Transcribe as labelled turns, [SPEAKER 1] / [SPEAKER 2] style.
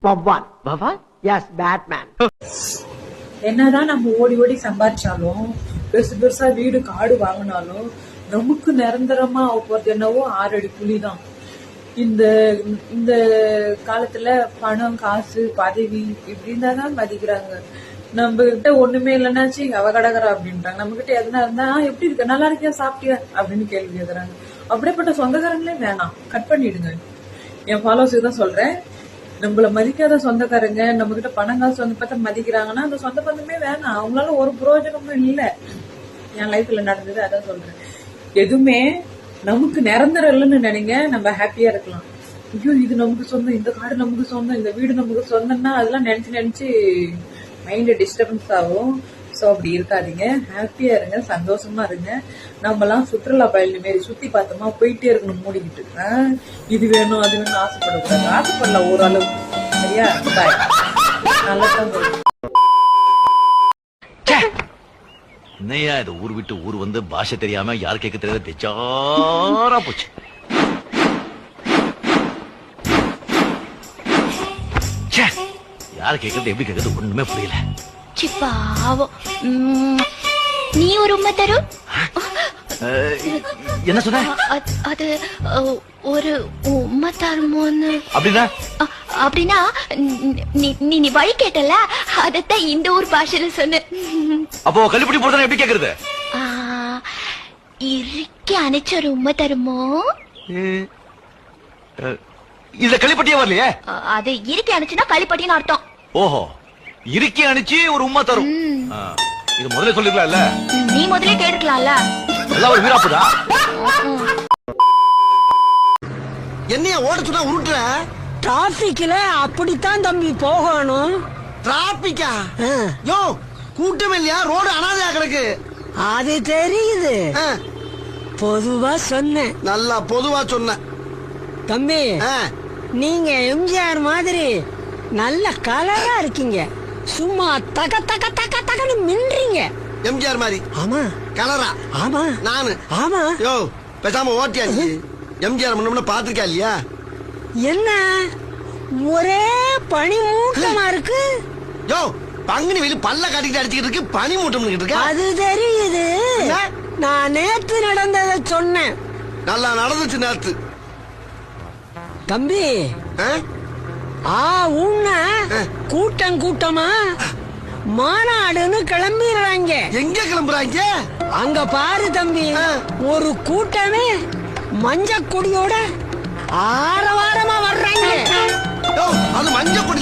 [SPEAKER 1] பவான் பவான் S Batman.
[SPEAKER 2] என்னதான் நம்ம ஓடி ஓடி சம்பாதிச்சாலும் பெருசு பெருசா வீடு காடு வாங்கினாலும் நமக்கு நிரந்தரமா போறது என்னவோ 6 அடி புலிதான். இந்த இந்த காலத்துல பணம் காசு பதவி இப்படின்னு தான் மதிக்கிறாங்க. நம்ம கிட்ட ஒண்ணுமே இல்லைன்னாச்சு அவ கடகரா அப்படின்றாங்க. நம்ம கிட்ட எதுனா இருந்தா எப்படி இருக்க நல்லா இருக்கியா சாப்பிட்டியா அப்படின்னு கேள்வி கேக்குறாங்க. அப்படிப்பட்ட சொந்தக்காரங்களே வேணாம், கட் பண்ணிடுங்க. என் ஃபாலோவர்ஸுக்கு தான் சொல்றேன், நம்மள மதிக்காத சொந்தக்காரங்க நம்ம கிட்ட பணம் காசு வந்து பார்த்தா மதிக்கிறாங்கன்னா அந்த சொந்த பந்தமே வேணாம். அவங்களால ஒரு பிரயோஜனமும் இல்லை. என் லைஃப்ல நடந்தது அதான் சொல்றேன். எதுவுமே நமக்கு நிரந்தரம் இல்லைன்னு நினைங்க, நம்ம ஹாப்பியா இருக்கலாம். ஐயோ இது நமக்கு சொந்தம், இந்த காடு நமக்கு சொந்தம், இந்த வீடு நமக்கு சொந்தம்னா அதெல்லாம் நினைச்சு நினைச்சு மைண்ட் டிஸ்டர்பன்ஸ் ஆகும். ஸோ அப்படி இருக்காதீங்க, ஹாப்பியா இருங்க, சந்தோஷமா இருங்க. நம்ம எல்லாம் சுற்றுலா பயணி மாரி சுத்தி பார்த்தோமா போயிட்டே இருக்கணும் மூடிக்கிட்டு. இது வேணும் அது வேணும் ஆசைப்படக்கூடாது. ஆசைப்படலாம் ஓரளவு, சரியா? பாய். நல்லா தான் சொல்றேன்.
[SPEAKER 3] என்னையா இது ஊர் விட்டு ஊர் வந்து பாஷை தெரியாம யார் கேட்க தெரியாத பெச்சாரா போச்சு. யார் கேட்கறது எப்படி கேட்கறது ஒண்ணுமே புரியல.
[SPEAKER 4] பாவம், நீ ஒரு உண்மை தரும்.
[SPEAKER 3] என்ன சொன்ன?
[SPEAKER 4] அது ஒரு உண்மை தருமோன்னு.
[SPEAKER 3] அப்படின்னா
[SPEAKER 4] அப்படின்னா நீ வழி கேட்டல, அதத்தான் இந்த ஊர் பாஷையில சொன்ன.
[SPEAKER 3] அப்போ கல்லுப்படி போடுறதா எப்படி கேக்குறது?
[SPEAKER 4] இறுக்கி அணைச்ச ஒரு உண்மை தருமோ?
[SPEAKER 3] இதுல களிப்பட்டியே வரலையே.
[SPEAKER 4] அது இறுக்கி அணைச்சுன்னா களிப்பட்டின்னு அர்த்தம்.
[SPEAKER 3] ஓஹோ, இறுக்கி அணைச்சு ஒரு உண்மை தரும். இது முதல்ல சொல்லிருக்கலாம்ல.
[SPEAKER 4] நீ முதல்ல கேட்டுக்கலாம்ல.
[SPEAKER 3] எல்லாம் ஒரு வீராப்புதா.
[SPEAKER 5] என்னைய ஓட சொன்னா உருட்டுற?
[SPEAKER 6] டிராபிக்ல அப்படித்தான் தம்பி போகணும்.
[SPEAKER 5] டிராபிக்கா? யோ கூட்டம் இல்லையா, ரோடு அனாதையா கிடக்கு.
[SPEAKER 6] அது தெரியுது, பொதுவா சொன்னேன்.
[SPEAKER 5] நல்லா பொதுவா சொன்ன
[SPEAKER 6] தம்பி. நீங்க எம்ஜிஆர் மாதிரி நல்ல கலரா இருக்கீங்க, சும்மா தக தக தக தகன்னு மின்றீங்க.
[SPEAKER 5] எம்ஜிஆர் மாதிரி?
[SPEAKER 6] ஆமா.
[SPEAKER 5] கலரா?
[SPEAKER 6] ஆமா.
[SPEAKER 5] நானு?
[SPEAKER 6] ஆமா.
[SPEAKER 5] யோ பேசாம ஓட்டியாச்சு. எம்ஜிஆர் முன்ன பாத்திருக்கா இல்லையா? என்ன
[SPEAKER 6] ஒரே பனி மூட்டமா இருக்கு.
[SPEAKER 5] யோ பங்குனி வெளி பல்ல காட்டிக்கிட்டு அடிச்சுக்கிட்டு இருக்கு, பனி மூட்டம் இருக்கு.
[SPEAKER 6] அது தெரியுது, நான் நேத்து நடந்ததை சொன்னேன்.
[SPEAKER 5] நல்லா நடந்துச்சு நேத்து
[SPEAKER 6] தம்பி. உன்ன கூட்டம் கூட்டமா மாநாடுன்னு கிளம்பிடுறாங்க.
[SPEAKER 5] எங்க கிளம்புறாங்க?
[SPEAKER 6] அங்க பாரு தம்பி, ஒரு கூட்டமே மஞ்ச கொடியோட ஆரவாரமா வர்றாங்க.
[SPEAKER 5] அது மஞ்ச கொடி